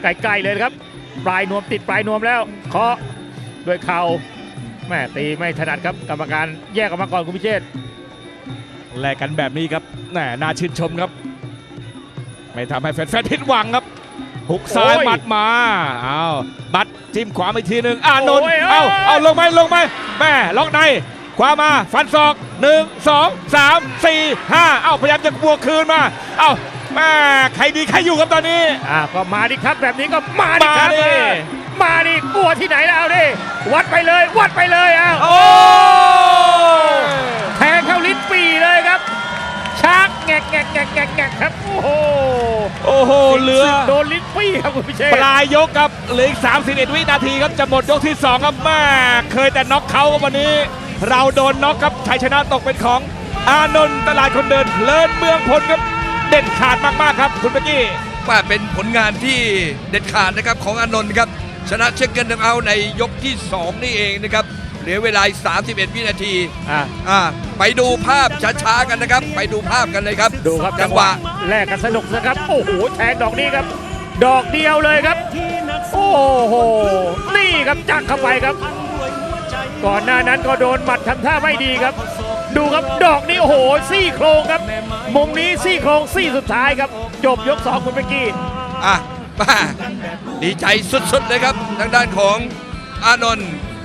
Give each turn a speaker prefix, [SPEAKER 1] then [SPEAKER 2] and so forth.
[SPEAKER 1] ใกล้ๆเลยครับปลายนวมติดปลายนวมแล้วเคาะด้วยเข่าแม่ตีไม่ถนัดครับกรรมการแยกออกมาก่อนคุณพิเชษฐ์
[SPEAKER 2] แลกกันแบบนี้ครับน่าชื่นชมครับ ไม่ทำให้แฟนๆผิดหวังครับหุกซ้ายหมัดมาเอาบัดจิ้มขวาอีกทีหนึ่งอานนท์เอาลงไหมแม่ล็อกในขวามาฟันศอก1 2 3 4 5เอาพยายามจะบวกคืนมาเอาแม่ใครดีใครอยู่ครับตอนนี้
[SPEAKER 1] ก็มาดิครับแบบนี้ก็มาดิครับมาดิกลัวที่ไหนแล้วดิวัดไปเลย
[SPEAKER 2] โอ้
[SPEAKER 1] แทงเข้าลิ้นปี่เลยครับชักแงกครับโอ้โห
[SPEAKER 2] เหลือ
[SPEAKER 1] โดนลิ้นปี่ครับคุณพิเชษฐ์
[SPEAKER 2] ปลายยกครับเหลืออีก31 วินาทีครับจะหมดยกที่2ครับแม่เคยแต่น็อกเขาวันนี้เราโดนน็อกครับชัยชนะตกเป็นของอานนท์ตลาดคนเดินเลิศเมืองพลครับเด็ดขาดมากๆครับคุณเบกกี้
[SPEAKER 3] ว่าเป็นผลงานที่เด็ดขาดนะครับของอานนท์ครับชนะเช็คเกิลเอาในยกที่2นี่เองนะครับเหลือเวลา31 วินาทีไปดูภาพช้าๆกันนะครับไปดูภาพกันเลยครับ
[SPEAKER 1] ดูครับจังหวะแลกกันสนุกนะครับโอ้โหแทงดอกนี้ครับดอกเดียวเลยครับโอ้โหนี่ครับจักเข้าไปครับก่อนหน้านั้นก็โดนหมัดทำท่าไม่ดีครับดูครับดอกนี้โอ้โหซี่โครงครับมุมนี้ซี่โครงซี่สุดท้ายครับจบยก2คุณเบกกี้
[SPEAKER 3] มาดีใจสุดๆเลยครับทางด้านของอานนท์